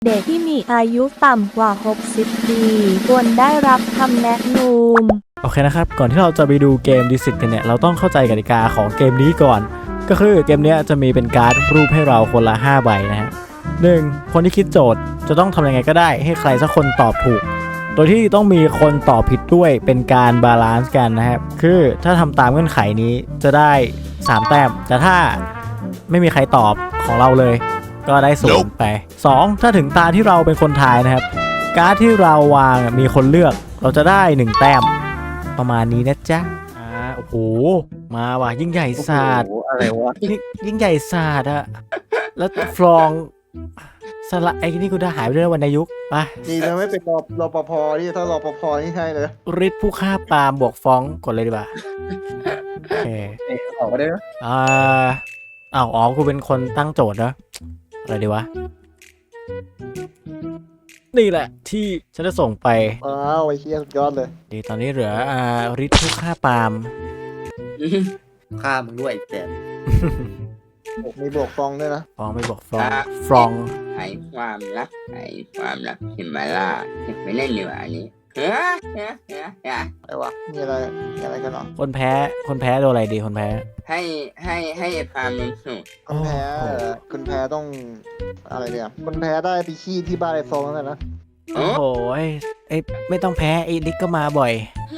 เด็กที่มีอายุต่ำกว่า 60 ปีควรได้รับคำแนะนำโอเคนะครับก่อนที่เราจะไปดูเกมดิสิตกันเนี่ยเราต้องเข้าใจกติกาของเกมนี้ก่อนก็คือเกมนี้จะมีเป็นการ์ดรูปให้เราคนละ5ใบนะฮะ1คนที่คิดโจทย์จะต้องทำยังไงก็ได้ให้ใครสักคนตอบถูกโดยที่ต้องมีคนตอบผิดด้วยเป็นการบาลานซ์กันนะครับคือถ้าทำตามเงื่อนไขนี้จะได้3แต้มแต่ถ้าไม่มีใครตอบของเราเลยก็ได้0ไป2ถ้าถึงตาที่เราเป็นคนทายนะครับการ์ดที่เราวางมีคนเลือกเราจะได้1แต้มประมาณนี้นะจ๊ะโอ้โหมาว่ะยิ่งใหญ่ศาสตร์อะไรวะยิ่งใหญ่ศาสตร์อะแล้วฟลองสละไอ้นี่กูได้หายไปด้วยวรรณยุกต์ไปดีนะไม่เป็นรปภนี่ถ้ารปภนี่ใช่เลยฤทธิ์ผู้ฆ่าปาล์มบวกฟ้องกดเลยดีกว่าโอเคออกมาได้ไหมอ๋อกูเป็นคนตั้งโจทย์นะอะไรดีวะนี่แหละที่ฉันจะส่งไปว้าวไอ้เชี่ยสุดยอดเลยดีตอนนี้เหลือฤทธิ์ผู้ฆ่าปาล์มฆ่ามึงด้วยแต่มีบวกฟองด้วยนะฟ้องไม่บวกฟ้องฟรองหายความรักหิมาล่าไม่เล่นดีกว่าอันนี้เฮ้ยอะไรวะมีอะไรกันหรอคนแพ้โดนอะไรดีคนแพ้ให้พามันสุดคุณแพ้ต้องอะไรเนี่ยคุณแพ้ได้ไปขี้ที่บ้านไอ้ฟองนั่นนะโอ้โหไอ้ไม่ต้องแพ้ไอ้ลิกก็มาบ่อย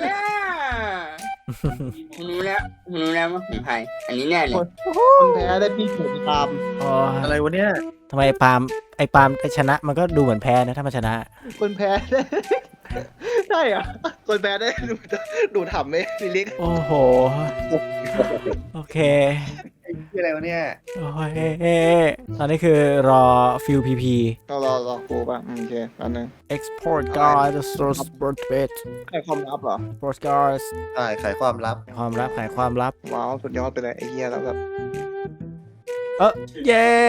รู้แล้วว่าผมใครอันนี้แน่เลยคุณแพ้ได้พี่ถูกตามอะไรวะเนี่ยทำไมไอ้ปาล์มชนะมันก็ดูเหมือนแพ้นะถ้ามันชนะคุณแพ้ได้ใช่อ่ะคุณแพ้ได้ดูทำไหมพี่ลิกโอ้โห โอเคคืออะไรวะเนี่ยโอ้ยตอนนี้คือรอฟิลพีพีรอกูป่ะโอเคอันนึง export guard source sport bet ใครความลับเหรอ sport guard ใช่ขายความลับความลับขายความลับว้าวสุดยอดไปเลยไอ้เหี้ยแล้วแบบเย้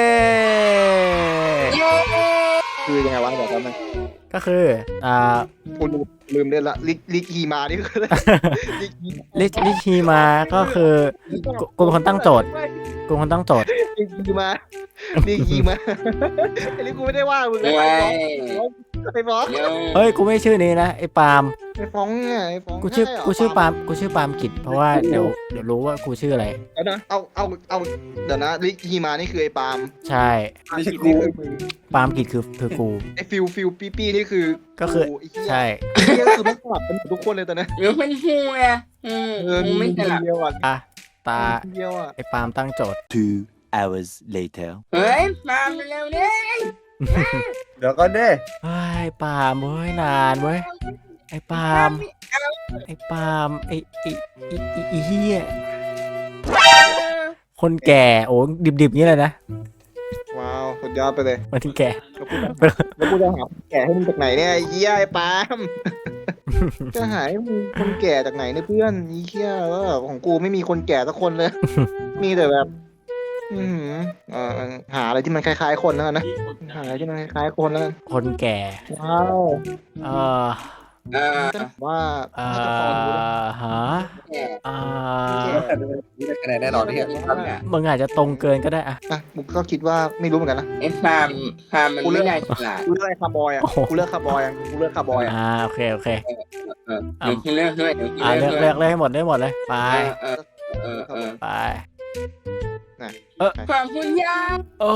คือยังไงวะบอกกันไหมก็คือกูลืมเล่นละลิกฮีมานี่คือลิกฮีลิฮีมาก็คือกูเป็นคนตั้งโจทย์ลิกฮีมาลิกฮีมาไอ้ลิกกูไม่ได้ว่ามึงเลยไอ้ฟองเฮ้ยกูไม่ชื่อนี้นะไอ้ปาล์มไอ้ฟองเนี่ยไอ้ฟองกูชื่อปาล์มกิจเพราะว่าเดี๋ยวรู้ว่ากูชื่ออะไรเอาเดี๋ยวนะลิกฮีมานี่คือไอ้ปาล์มใช่ไม่ใช่กูปาล์มกิจคือกูไอ้ฟิลปี้นี่คือก็คือใช่ไอ้เหี้ยคือไม่สลับกันทุกคนเลยตอนนี้หรือเป็นหูไงไม่สลับเดียวอ่ะตาเดียวอ่ะไอ้ปาล์มตั้งโจทย์ 2 hours later เฮ้ยมาเร็วเนี่ยเดี๋ยวก่อนเด้ไอ้ปาล์มเว้ยนานเว้ยไอ้ปาล์มไอ้เฮียคนแก่โอ้ดิบๆงี้เลยนะว้าวสุดยอดไปเลยมันที่แก่แล้วกูจะหาแก่ให้มึงจากไหนเนี่ยไอ้เหี้ยไอ้ปาล์ม จะหาให้มึงคนแก่จากไหนเนี่ยเพื่อนไอ้เหี้ยของกูไม่มีคนแก่สักคนเลย มีแต่แบบหาอะไรที่มันคล้ายๆคนแล้วกันนะหาอะไรที่มันคล้ายๆคนแล้วกันคนแก่ว้าวเออว่าฮะคะแนนแน่นอนที่มึงอาจจะตรงเกินก็ได้อะมึงก็คิดว่าไม่รู้เหมือนกันนะไอ้ฟาร์มมันไม่ได้ฉลาดกูเลือกคาร์บอยอ่ะกูเลือกคาร์บอยอ่ะโอเคเดี๋ยวคุณเลือกด้วยเดี๋ยวคุณเลืเลืออกกเลยให้หมดเลยไป ไปความคุณยายโอ้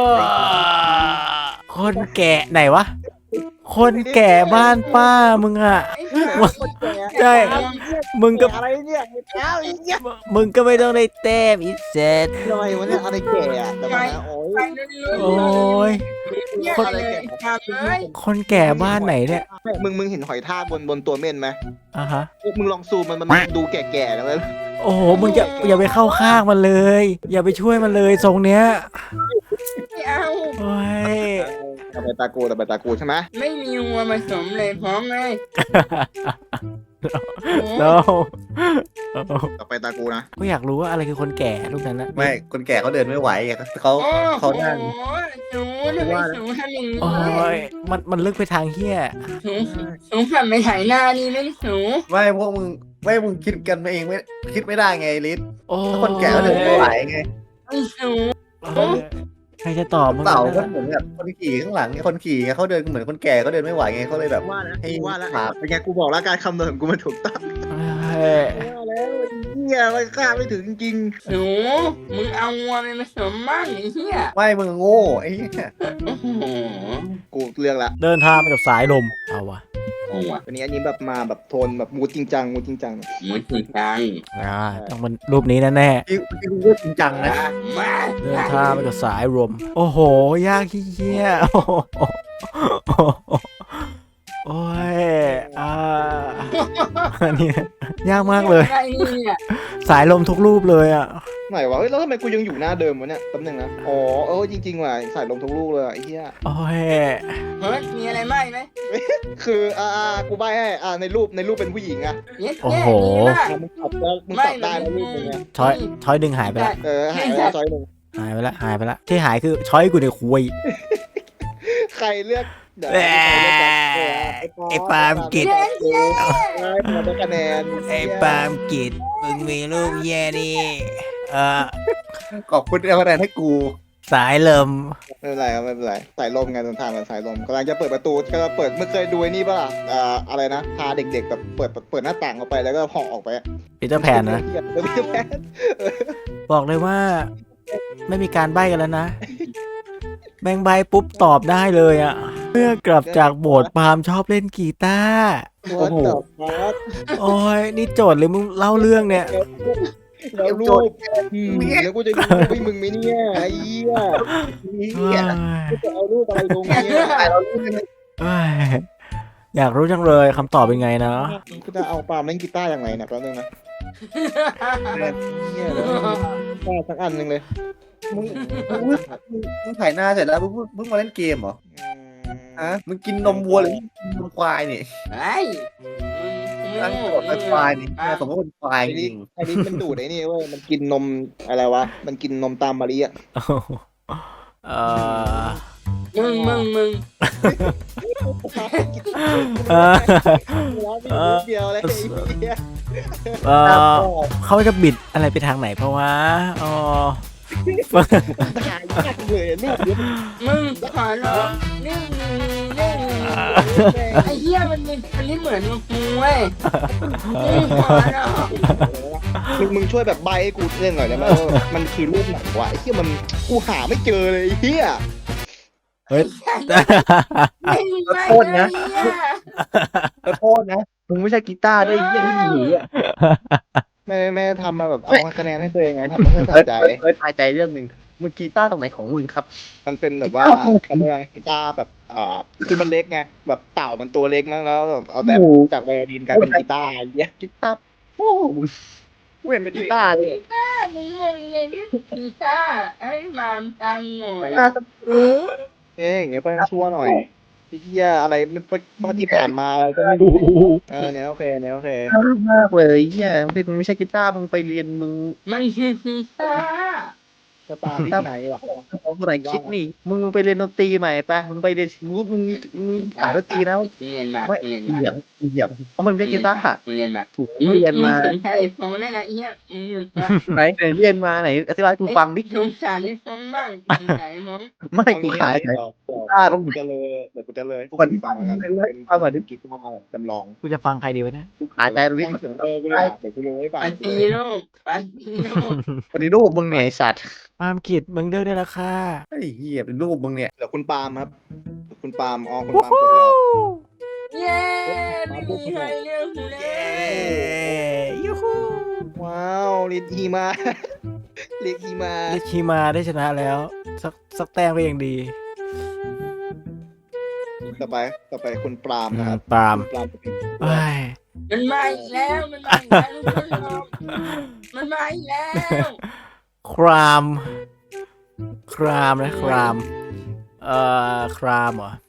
คนแก่ไหนวะ คนแก่บ้านป้ามึงอะใช่มึงก็อะไรเนี่ยไอ้เท้าไอ้เหี้ยมึงก็ไม่ต้องได้แต้มอีเซตทำไมวะเนี่ยอะไรแก่อะแต่ว่าโอ้ยโอ้ย คนแก่บ้านไหนเนี่ยมึงเห็นหอยทากบนตัวเม่นไหมอ่ะฮะมึงลองซูมมันดูแก่ๆแล้วโอ้โห มึงอย่าไปเข้าข้างมันเลย อย่าไปช่วยมันเลยทรงเนี้ยไม่เอาโอ้ยต่อไปตากูใช่ไหมไม่มีวัวผสมเลยพร้อมเลยโนต่อไปตากูนะก็อยากรู้ว่าอะไรคือคนแก่รูปนั้นนะไม่คนแก่เขาเดินไม่ไหวไงเขานั่งหนูทำไมหนูทำอย่างนี้โอ้ยมันลึกไปทางเฮี้ยหนูฝันไปถ่ายหน้านี่นั่นหนูไม่พวกมึงคิดกันเองไม่คิดไม่ได้ไงลิศโอ้ถ้าคนแก่เขาเดินไม่ไหวไงไอ้หนูเออรจะตอบมึงเต่าก็นะเหมือนแบบคนขี่ข้างหลังไงคนขี่ไงเขาเดินเหมือนคนแก่เขาเดินไม่ไหวไงเขาเลยแบบว่าแล้วให้ว่าแล้วขาเป็นไงกูบอกแล้วการคำนวณของกูมันถูกต้องเฮ้ยว่าแล้วไอ้เหี้ยมันคาดไม่ถึงจริงหนูมึงเอาวัวมันมาสมมั่งไอ้เหี้ยไม่มึงโง่ไอ้เหี้ยโอ้โหๆกูเลือกละเดินทางไปกับสายลมเอาวะโอ้โหอันนี้แบบมาแบบโทนแบบมูดจริงจังมูดจริงจังมึงจริงจังต้องเป็นรูปนี้แน่ที่กูก็จริงจังนะมาๆเดินทางไปกับสายลมโอ้โหยากเหี้ยโอ้โหโอ้ยอันนี้ยากมากเลยอะไรเนี่ยสายลมทุกรูปเลยอ่ะไหนวะเฮ้ยแล้วทำไมกูยังอยู่หน้าเดิมวะเนี่ยแป๊บนึงนะอ๋อจริงๆว่ะใส่ลมทุกลูกเลยอะไอ้เหี้ยโอ้ยเฮ้ยมีอะไรไหมไหมคือกูใบให้ในรูปเป็นผู้หญิงอะเย็ดโอ้แย่โหมีป่ะมึงตอบแล้วมึงตอบได้นะรูปมึงอะช้อยดึงหายไปละหายไปแล้วจอยหนึ่งหายไปละที่หายคือช้อยกูเนี่ยคุยใครเลือกเดี๋ยวแหมไอ้ปาล์มกิจได้มาได้คะแนนไอ้ปาล์มกิจมึงมีลูกแย่ดิเออขอบคุณที่เอาคะแนนให้กูสายลมไม่เป็นไรครับไม่เป็นไรสายลมไงตอนทางกับสายลมกำลังจะเปิดประตูกำลังเปิดเมื่อเคยดูไอ้นี่ป่ะล่ะอะไรนะพาเด็กๆแบบเปิดหน้าต่างออกไปแล้วก็ห่อออกไปปีเตอร์แพนนะแล้วพี่แพนบอกเลยว่า ไม่มีการใบ้กันแล้วนะ แบงใบปุ๊บตอบได้เลยอ่ะเมื่อกลับจากโบสถ์ปาล์มชอบเล่นกีตาร์โอ้โหโอ้ยนี่โจทย์หรือมึงเล่าเรื่องเนี่ยแล้วรูปแล้วกูจะดูพี่มึงไหมเนี่ยไอ้เหี้ยเอ้ยกูจะเอารูปอะไรลงเนี่ยถ่ายเรารู้กันเลยเอ้ยอยากรู้จังเลยคำตอบเป็นไงนะกูจะเอาปาล์มเล่นกีตาร์ยังไงเนี่ยแป๊บนึงนะเนี่ยแล้วกีตาร์สักอันหนึ่งเลยมึงถ่ายหน้าเสร็จแล้วมึงมาเล่นเกมเหรอฮะมึงกินนมวัวหรือกินนมควายนี่ไอ้มึงตั้งกดเป็นควายนี่สมมติเป็นควายจริงอันนี้มันดูดไอ้นี่เว้ยมันกินนมอะไรวะมันกินนมตามมะลิอ่ะเออมึงเออเดียวเลยไอ้เหี้ยเออเขาจะบิดอะไรไปทางไหนเพราะว่าอ๋อถ่ายยากเลยรูปเนี้ยมึงขอร้องนี่ไอ้เหี้ยมันนี่เหมือนมึงเว้ยขอร้องมึงช่วยแบบใบให้กูเล่นหน่อยได้ไหมว่ามันคือรูปไหนวะไอ้เหี้ยมันกูหาไม่เจอเลยไอ้เหี้ยเฮ้ยไม่มีไม่เลยขอโทษนะมึงไม่ใช่กีตาร์ด้วยยี่ที่หนีอ่ะแม่ทำมาแบบเอาคะแนนให้ตัวเองไงทำมาเพื่อสะใจทายใจเรื่องหนึ่งมึงกีตาร์ตรงไหนของมึงครับมันเป็นแบบว่าอะไรกีตาร์แบบคือมันเล็กไงแบบเต่ามันตัวเล็กนะแล้วแบบเอาแต่จากไวโอลินกลายเป็นกีตาร์อย่างเงี้ยกีตาร์โอ้มึงเว้นเป็นกีตาร์เลยมึงเลยพี่ซ่าไอ้มามตังหน่อยอย่างเงี้ยไปชั่วหน่อยไอ้เหี้ยอะไรมันที่ผ่านมาก็ไม่รู้เนี่ยโอเคเนี่ยโอเคมากเลยเฮียมึงไม่ใช่กีตาร์มึงไปเรียนมึงมันคือพี่ซ่าจะตามที่ไหนวะเอาคนไหนคิดนี่มึงไปเรียนดนตรีใหม่ปะมึงไปเรียนมึงหาดนตรีแล้วเรียนมาไม่เรียนเหยียบเหยียบเพราะมันไม่ใช่กีตาร์เรียนมาถูกเรียนมาใช่ฟงนั่นแหละเอี้ยไหนเรียนมาไหนอธิบายกูฟังดิสงสารที่ฟงบ้างไหนมั้งไม่กูขายไหนกีตาร์ต้องกูจะเลยเดี๋ยวกูจะเลยก่อนฟังกันฟังก่อนดิกีตาร์จำลองกูจะฟังใครดีวะเนี่ยขายใจตรงนี้เดี๋ยวกูเลยให้ฟังปันตีโลกปันตีโลกวันนี้รูปมึงเนี่ยไอ้สัตว์ปาล์มกิจมึงเลือกได้แล้วค่ะไอ้เหี้ยเป็นรูปมึงเนี่ยเดี๋ยวคุณปาล์มครับคุณปาล์มคุณปาล์มกดแล้วเย้ไม่มีใครเลือกกูเลยยูฮูว้าวลิทฮีมา ลิทฮีมาลิชิมาได้ชนะแล้ว สักแต้มก็ยังดีต่อไปคุณปาล์มนะครับปาล์มปาล์มจะเป็นเอ้ยมันมาอีกแล้วมันมาอีกแล้วทุกคนมันมาอีกแล้วครามนะครามครามเหรอ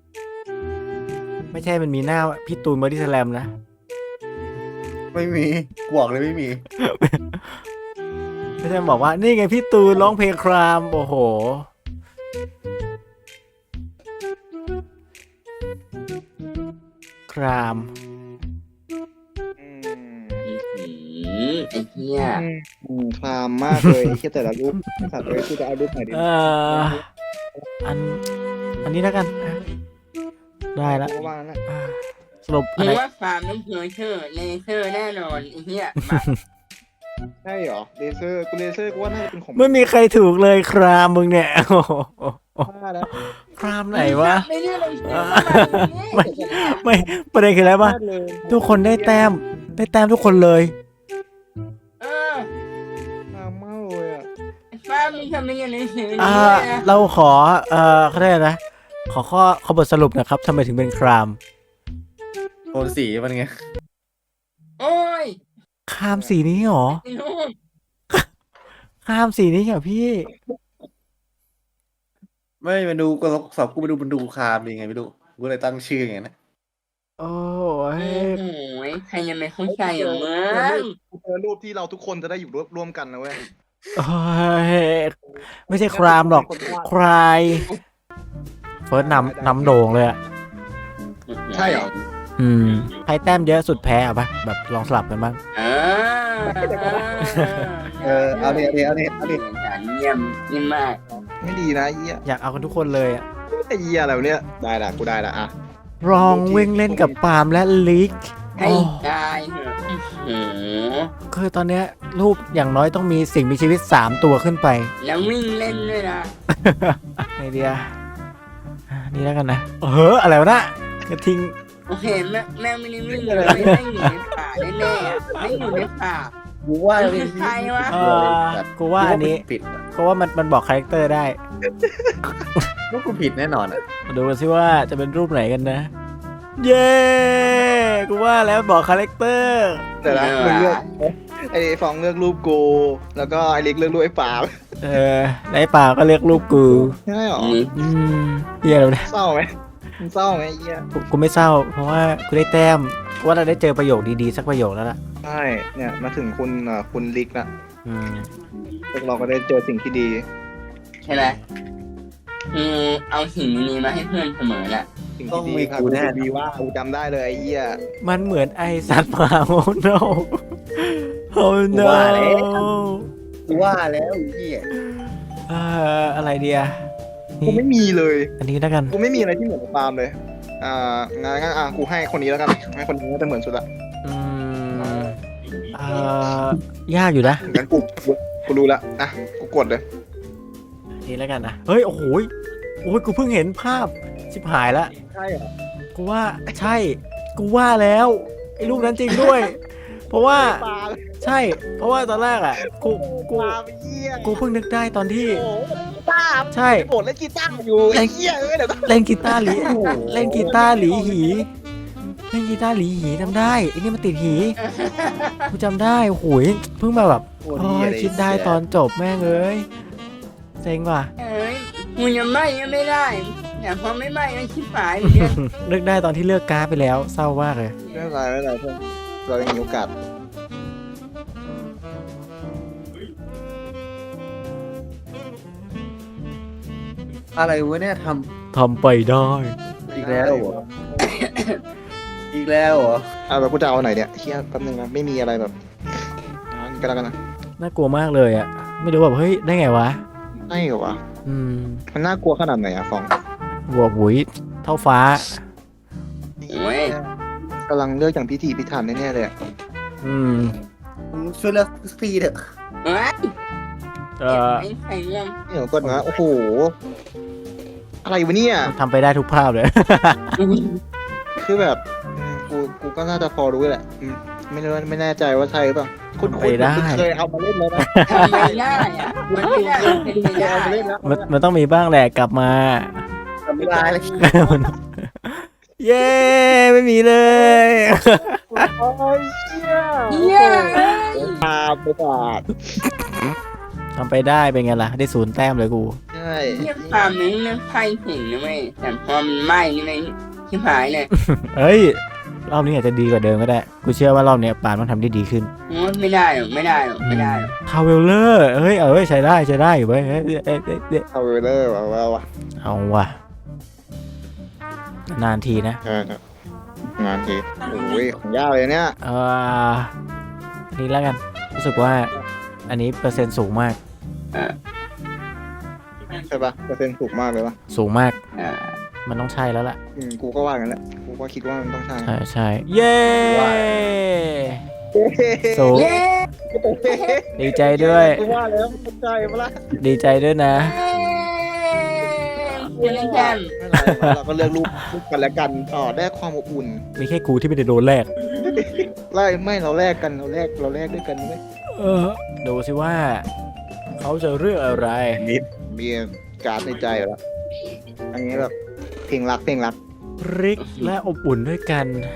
ไม่ใช่มันมีหน้าพี่ตูนบอดี้สแลมนะไม่มีกวกเลยไม่มีไม่ใช่บอกว่านี่ไงพี่ตูนร้องเพลงครามโอ้โหครามอืมไอ้เหี้ยคลามมากเลยแค่แต่ละรูปสัตว์เลยกูจะเอารูปไหนดีอันอันนี้แล้วกันได้ละกูว่านะสรุปมึอันงไหนว่าฟาร์มต้องเลเซอร์แน่นอนไอ้เหี้ยมาใช่เหรอเลเซอร์กูว่าน่าจะเป็นของไม่มีใครถูกเลยครามมึงเนี่ยโอ้โหบ้าแล้วครามไหนวะไม่ได้เลยไม่ประเด็นคืออะไรปะพลาดเลยทุกคนได้แต้มทุกคนเลยเออคลามมากเลยอ่ะฟาร์มมึงทำไมอย่างนี้เราขอเขาได้นะขอบทสรุปนะครับทำไมถึงเป็นครามโทนสีมันไงโอ้ยครามสีนี้เหรอไอ้ลูกครามสีนี้เหรอพี่ไม่มาดูก็สอบกูไปดูมันดูคามยังไงไม่รู้กูเลยตั้งชื่ออย่างนั้นนะโอ้โอ้ยโหใครยังไม่เข้าใจอ่ะมึงกูเจอรูปที่เราทุกคนจะได้อยู่ร่วมกันนะเว้ยโอ้ยไม่ใช่ครามหรอกใครเฟิร์สนำโด่งเลยอ่ะใช่เหรอใครแต้มเยอะสุดแพ้อะปะแบบลองสลับกันบ้างเอาดิฉันเยี่ยมมากไม่ดีนะไอ้เหี้ยอยากเอากันทุกคนเลยอะไอ้เหี้ยอะไรวะเนี่ยได้ละกูได้ละอ่ะลองวิ่งเล่นกับปาล์มและลิกให้ตายเถอะโอ้โหคือตอนเนี้ยรูปอย่างน้อยต้องมีสิ่งมีชีวิต3ตัวขึ้นไปแล้ววิ่งเล่นด้วยนะไอเดียนี่แล้วกันนะอะไรวะนะกระทิงโอเคแม่ไม่ได้วิ่งเลยไม่อยู่ในป่าแน่ๆไม่อยู่ในป่ากูว่าคือใครวะกูว่าอันนี้ผิดก็ว่ามันบอกคาแรคเตอร์ได้ก็กูผิดแน่นอนอ่ะมาดูกันสิว่าจะเป็นรูปไหนกันนะ เย้กูว่าแล้วบอกคาแรคเตอร์แต่ละมึงเลือกไอ้ฟองเลือกรูปกูแล้วก็ไอ้เล็กเลือกรูปไอ้ปาล์มในป่าก็เรียกรูปกูใช่เหรอเหี้ยแล้วนะเศร้าไหมมึงเศร้าไหมไอ้เหี้ยกูไม่เศร้า เพราะว่ากูได้แต้มกูว่าเราได้เจอประโยคดีๆสักประโยคแล้วล่ะใช่เนี่ยมาถึงคุณลิกละอืมพวกเราก็ได้เจอสิ่งที่ดีใช่ไหมเอาสิ่งนี้มาให้เพื่อนเสมอแหละสิ่งที่ดีครับดีว่ากูจำได้เลยไอ้เหี้ยมันเหมือนไอสัตว์ป่าโอ้ no โอ้ no กูว่าแล้วไอ้เหี้ยอะไรเดียกูไม่มีเลยอันนี้แล้วกันกูไม่มีอะไรที่เหมือนกับปาล์มเลยงั้นกูให้คนนี้แล้วกันให้คนนี้น่าจะเหมือนสุดละอืมยากอยู่นะงั้นกูรู้ละอ่ะกูกดเลยนี่แล้วกันนะเฮ้ยโอ้โหกูเพิ่งเห็นภาพชิบหายละใช่เหรอกูว่าใช่ กูว่าแล้วไอ้รูปนั้นจริงด้วย เพราะว่าปาล์มใช่ เพราะว่าตอนแรกอ่ะกูปาล์มเหี้ยเพิ่งนึกได้ตอนที่โอ้ปาล์มใช่โกรธเล่นกีตาร์อยู่ไอ้เหี้ยเดี๋ยวเล่นกีตาร์หลีเล่นกีตาร์หลีหีเล่นกีตาร์หลีหีจำได้ไอ้นี่มันติดหีกูจำได้โอ้โหเพิ่งมาแบบโอ้ยคิดได้ตอนจบแม่งเอ้ยเซ็งว่ะเอ้ยมึงยังไม่ได้แต่พอไม่ก็ชิบหายเหมือนกันนึกได้ตอนที่เลือกการ์ดไปแล้วเศร้ามากเลยไม่เป็นไรเพื่อนเรายังมีโอกาสอะไรวะเนี่ยททำไปได้ำอีกแล้วเหรอ อีกแล้วเหรอแบบกูจะเอาไหนเนี่ยเชี่ยแป๊บนึงนะไม่มีอะไรแบบนี่ก็แล้วกันนะน่ากลัวมากเลยอ่ะไม่รู้แบบเฮ้ยได้ไงวะใช่เหรอวะ มันน่ากลัวขนาดไหนอะฟองหัวบุ๋ยเท่าฟ้าโอ้ยกำลังเลือกอย่างพิถีพิถันแน่ๆเลยอะมึงช่วยเลือกสักทีเถอะเอ้ยเอ่อไอ้ไข่เรื่องเดี๋ยวก่อนนะโอ้โหอะไรวะเนี่ยทำไปได้ทุกภาพเลยคือแบบกูก็น่าจะพอรู้แหละไม่แน่ใจว่าใช่หรือเปล่าคุณไปได้เคยเอามาเล่นแล้วนะทำไม่ได้อะมันไม่ได้มันเป็นไม่เคยได้เอามาเล่นแล้วมันต้องมีบ้างแหละกลับมาทำไม่ได้เลยเย้ไม่มีเลยโอ้ยเชี่ยเหี้ยตาประสาททำไปได้เป็นไงล่ะ ได้0 แต้มเลยกูใช่เหี้ยความนี้เรื่องไพ่ถึงนะเว้ยแต่พอมันไหม้นี่เลยชิบหายเลยเฮ้ย รอบนี้อาจจะดีกว่าเดิมก็ได้ กูเชื่อว่ารอบเนี้ยปานมันทำได้ดีขึ้นโอ้ยไม่ได้หรอกไม่ได้หรอกทาวเวลเลอร์เฮ้ยใช้ได้อยู่เว้ยเอ้ยเอาไปเลยว่ะเอาว่ะ นานทีนะใช่งานทีโอ้ยของยากเลยเนี่ยอันนี้แล้วกันรู้สึกว่าอันนี้เปอร์เซ็นต์สูงมากใช่ปะเปอร์เซ็นต์ถูกมากเลยปะสูงมากอ่ามันต้องใช่แล้วล่ะกูก็ว่างั้นแหละกูก็คิดว่ามันต้องใช่ใช่ใช่เย้สูงเย้ดีใจด้วยกูว่าแล้วมันใช่ปะล่ะดีใจด้วยนะเป็นแชมป์ไม่เป็นไรเราก็เลือกรูปกันแล้วกันได้ความอบอุ่นมีแค่กูที่ไม่ได้โดนแรกไม่เราแลกกันเราแลกด้วยกันไหมดูสิว่า เขาจะเลือกอะไรมีการ์ดในใจเหรออันนี้แบบเพลงรักริกและอบอุ่นด้วยกัน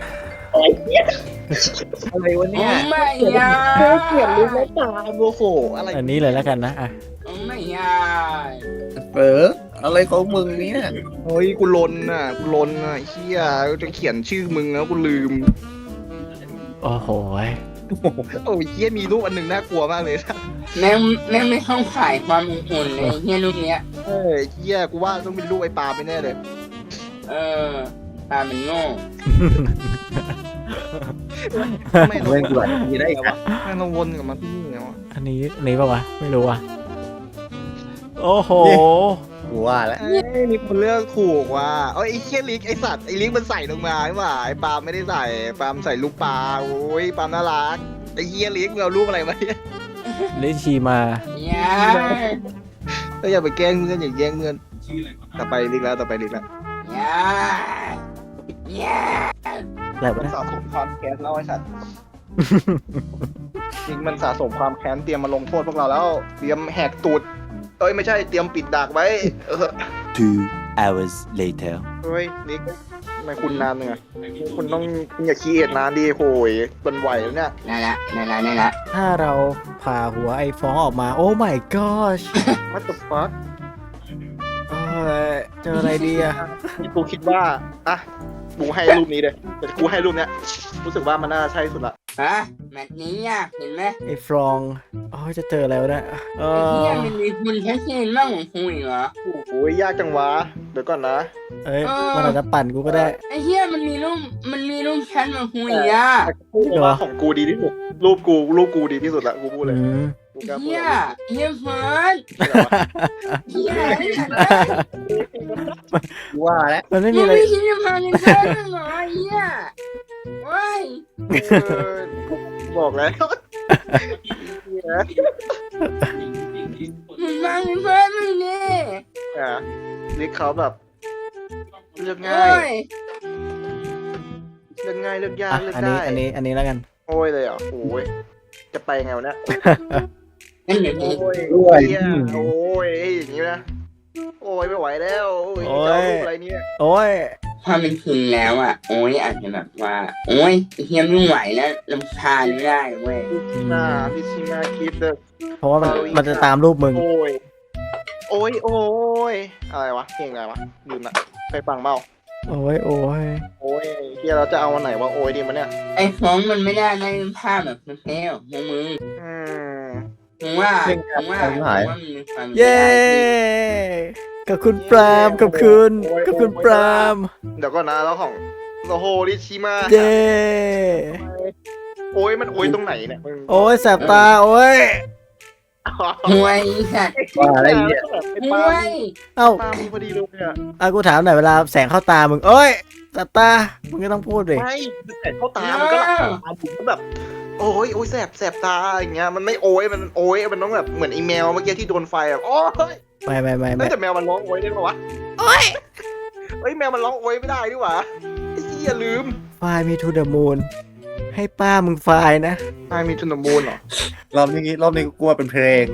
อะไรวะโอ้เนี่ยไม่ยาเกลียดลิ้นและตาโมโหอะไรอันนี้เลยแล้วกันนะอ่ะโอ้ไม่ยาอะไรของมึงเนี่ยเฮ้ยกูลนอ่ะเฮียจะเขียนชื่อมึงแล้วกูลืมโอ้โหโอ้ยเฮียมีรูปอันหนึ่งน่ากลัวมากเลยแม่งไม่เข้าขายความอุ่นเลยเฮียลูกเนี้ยเฮียกูว่าต้องเป็นรูปไอ้ปาไปแน่เลยตามันโง่ไม่เราเล่นกูหลายทีได้อีกวะไม่เราวนกับมันที่นี่ไงวะอันนี้ป่าวะ ไม่รู้อ่ะ โอ้โหกูว่าแล้วมีคนเลือกถูกว่ะไอ้เฮียลิกไอ้สัตว์ไอ้ลิกมันใส่ลงมาใช่ป่ะไอ้ปาไม่ได้ใส่ปามใส่ลูกปลาโอ้ยปามน่ารักไอ้เฮียลิกมึงเอารูปอะไรมาเนี่ยลิชีมายาก็อย่าไปแกล้งเพื่อนอย่าแย่งเพื่อนต่อไปลิกแล้วยายาอะไรวะมันเนี่ยสะสมความแค้นแล้วไอ้สัตว์ ลิกมันสะสมความแค้นเตรียมมาลงโทษพวกเราแล้วเตรียมแหกตูดไม่ใช่เตรียมปิดดักไว้ 2 hours later. เฮ้ยลิกทำไมคุณนานเนี่ยคุณต้องอย่าขี้เอ็ดนานดิโหยเป็นไหวแล้วเนี่ยนั่นละถ้าเราผ่าหัวไอ้ฟ้องออกมา โอ้ my gosh What the fuck เอ้ยเจออะไรดีอะกูคิดว่ากูให้รูปนี้เลยแต่กูให้รูปเนี้ยรู้สึกว่ามันน่าใช่สุดละฮะแมตช์นี้ยากเห็นไหมไอ้ฟรองโอ้ยจะเจออะไรวะเนี่ยเอไอ้เฮียอมันมีคุณแค่เช่นบ้างของคุยเหรอโอ้โหยากจังวะเดี๋ยวก่อนนะเอ้ยมันอาจจะปั่นกูก็ได้ไอ้เฮียมันมีรูปแชทมาคุยอ่ะพูดว่าของกูดีที่สุดรูปกูดีที่สุดละกูพูดเลยอืมกูกล้าพูดเฮีเลยเฮียเฟิร์สเฮียไอ้สัตว์กูว่าแล้วมันไม่มึมีงอะไรไม่คิดจะพาเงินแค่นั้นเหรอไอ้เฮียโอ้ยบอกแล้วมึงมาเงินเฟิร์สมึงดิลิกเขาแบบเลือกโอ้ง่ายยเลือกง่ายเลือกยากอ่ะเลือกอันได้นี้แล้วกันโอ้ยเลยเหรอ่ะโอ้ยจะไปไงวะเนี่ยนั่นเดี๋ยวนี้โอ้ยด้วยเหี้ยโอ้ยอย่างนี้นะโอ้ยไม่ไหวแล้วโอ้ยจะเอารูปอะไรเนี่ยโอ้ยความเป็นจริงแล้วอ่ะโอ้ยอาจจะแบบว่า โอ้ยไอ้เฮียไม่ไหวแล้วลำคาญไม่ได้เว้ยหน้าพิชิมาคิดเดอเพราะว่ามันจะตามรูปมึงโอ้ยโอ้ยโอ้ยอะไรวะเพลงอะไรวะลืมละไปฟังเปล่าโอ้ยโอ้ยโอ้ยเฮียเราจะเอาวันไหนวะโอ้ยดีมันเนี่ยไอ้ฟ้องมันไม่ได้ในภาพแบบเท่ๆของมึงอืมมึงว่ามันมีความเย้กับคุณปรามกับคุณปรามเดี๋ยวก่อนนะแล้วของโอ้โหริชิมาเย้โอ้ยมันโอ้ยตรงไหนเนี่ยมึงโอ้ยแสบตาโอ้ยห่วยสัตว์ว่าอะไรเนี่ยไอ้ห่ปาวยเอ้าปามีพอดีเลยเนี่ยกูถามหน่อยเวลาแสงเข้าตามึงโอ้ยแสบตามึงก็ต้องพูดดิไม่แต่เข้าตามันก็หลับตาผมก็แบบโอ้ยโอ้ยแสบตาอย่างเงี้ยมันไม่โอ้ยมันโอ้ยมันต้องแบบเหมือนอีเมลเมื่อกี้ที่โดนไฟแบบโอ้ยไม่น่าจะแมวมันร้องโอ้ยได้ปะวะโอ้ยเฮ้ยแมวมันร้องโอ้ยไม่ได้ดิวะไอ้เหี้ยลืมไฟมีทูเดอะมูนให้ป้ามึงไฟนะไอ้มีทุนมูลเหรอรอบนี้กูกลัวเป็นเพลง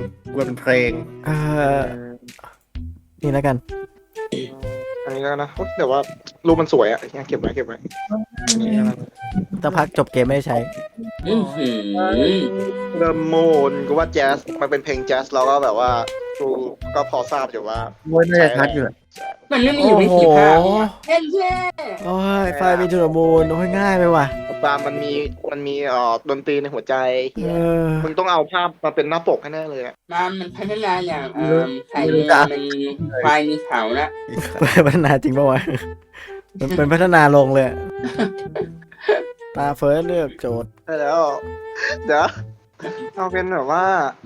นี่แล้วกันอันนี้แล้วนะแต่ว่ารูปมันสวยอ่ะเก็บไว้อันนี้แล้วนะถ้าพักจบเกมไม่ได้ใช้เริ่มโมนกูว่าแจ๊สมันเป็นเพลงแจ๊สแล้วก็แบบว่ากูก็พอทราบอยู่ว่ากูว่าน่าจะชัดอยู่มันไม่มีอยู่ในสีภาพเท่เท่โอ้ยไฟมีทูเดอะมูนโอ้ยง่ายไปว่ะตามมันมีดนตรีในหัวใจ มึงต้องเอาภาพมาเป็นหน้าปกให้แน่เลยอ่ะมันพัฒนาอย่างใครมันควายมีเขาละพัฒนาจริงป่าวะมันเป็นพัฒนาลงเลยตาเฟิร์สเลือกโจทย์ใช่แล้วเดี๋ยวเอาเป็นแบบว่า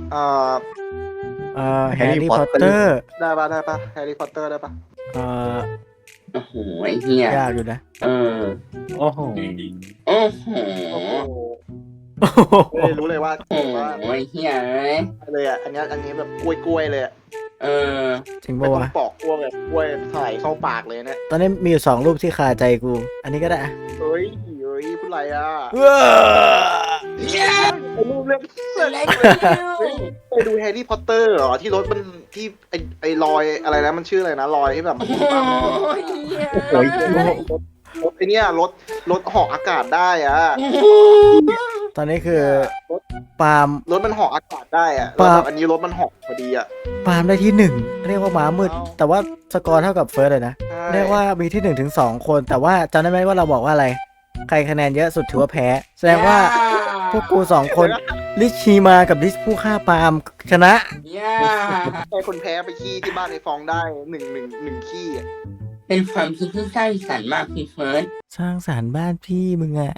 แฮร์รี่พอตเตอร์ได้ปะแฮร์รี่พอตเตอร์ได้ปะโอ้โหไอ้เหี้ยยากอยู่นะโอ้โหโอ้โหโอ้โหไม่รู้เลยว่าโอ้โหไอ้เหี้ยเอ้ยเลยอ่ะอันนี้แบบกล้วยเลยอ่ะจริงไม่ปะต้องวะปอกกล้วยแบบกล้วยถ่ายเข้าปากเลยเนี่ยตอนนี้มีอยู่2 รูปที่คาใจกู อันนี้ก็ได้อะเฮ้ยพูดอะไรอ่ะเนี่ยไอ้รูปเรื่องอะไรกันไปดูแฮร์รี่พอตเตอร์เหรอที่รถมันที่ไอ้รอยอะไรนะมันชื่ออะไรนะรอยที่แบบโอ้ยเหี้ยรถไอ้เนี่ยรถเหาะอากาศได้อ่ะตอนนี้คือปาล์มรถมันเหาะอากาศได้อ่ะปาแล้วแบบอันนี้รถมันเหาะพอดีอ่ะปาล์มได้ที่ 1 เรียกว่าม้ามืดอ้าวแต่ว่าสกอร์เท่ากับเฟิร์สเลยนะใช่เรียกว่ามีที่1 ถึง 2 คน แต่ว่าจำได้ไหมว่าเราบอกว่าอะไร ใครคะแนนเยอะสุดถือว่าแพ้ แสดงว่าพวกกู2 คนลิชชีมากับลิชผู้ฆ่าปาล์มชนะเนี่ยใครคนแพ้ไปขี้ที่บ้านไอ้ฟองได้หนึ่งขี้อ่ะเป็นความคิดที่สร้างสรรค์มากพี่เฟิร์สสร้างสารบ้านพี่มึงอะ